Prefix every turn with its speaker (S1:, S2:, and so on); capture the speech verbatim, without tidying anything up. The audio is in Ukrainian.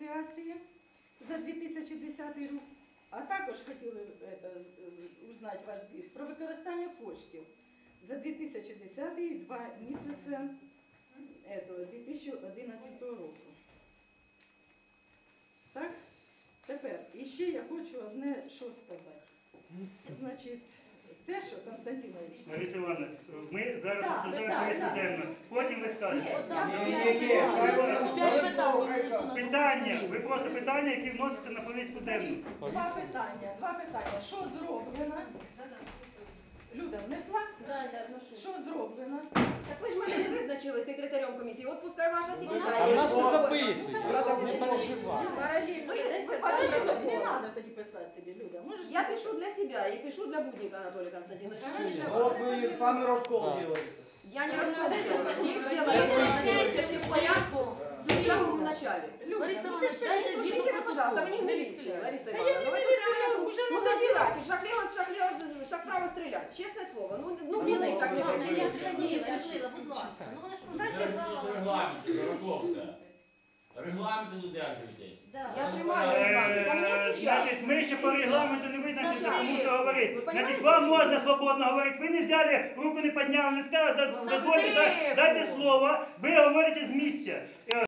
S1: асоціації за дві тисячі десятий рік, а також хотіли это, узнати ваш звіт про використання коштів за дві тисячі десятий і два місяці этого, дві тисячі одинадцятого року. Так? Тепер, іще я хочу одне що сказати. Значить, те, що, Константинович...
S2: Лариса Івановна, ми зараз
S1: Так,
S2: обсуждаємо
S1: так,
S2: повістку
S1: так.
S2: денну. Потім ви скажете.
S1: Ні,
S2: Питання, ви просто питання, які вносяться на повістку денну.
S1: Два питання, два питання. Що зроблено? Люда, внесла? Що зроблено?
S3: Так ви ж мене не визначили секретарем комісії. От пускай ваша
S4: А
S3: секретаря.
S4: в нас все
S1: Ну,
S4: записує. Не переживай.
S3: Параллельно ведеться
S1: Подожди,
S3: два
S1: не
S3: протоколи.
S1: треба тоді писати тобі, Люда. Можеш
S3: Я
S1: написати?
S3: пишу для себя и пишу для Будника Анатолия Константиновича.
S5: Вот вы сами раскол
S4: Да.
S5: делаете.
S3: Я не рассказывала. Их дело начинается в порядку в самом начале.
S1: Люда, ну ти ж
S3: Да
S1: пиши,
S3: не слушайте вы, пожалуйста, вы не милиция, Лариса Ивановна. Ну, вы тут человеку,
S1: уже
S3: ну,
S1: надо
S3: надирать, шахлево, шахлево, шаг вправо стрелять. Честное слово. Ну, ну, милый, так не
S6: Я
S3: получается.
S6: будь ласка. Ну вони ж
S1: Значить,
S6: регламент, Раковська. Регламенту додержуйтесь.
S3: Я тримаю регламент, а
S2: Е,
S3: мне стучат.
S2: Значить, ми ще по регламенту не визначилися, кому що говорити.
S3: Ви
S2: Значить,
S3: понимаєте,
S2: вам
S3: що-
S2: можна свободно говорити. Ви не взяли, руку не підняли, не сказали,
S3: Ну,
S2: дозвольте,
S3: тихо.
S2: дайте слово. Ви говорите з місця.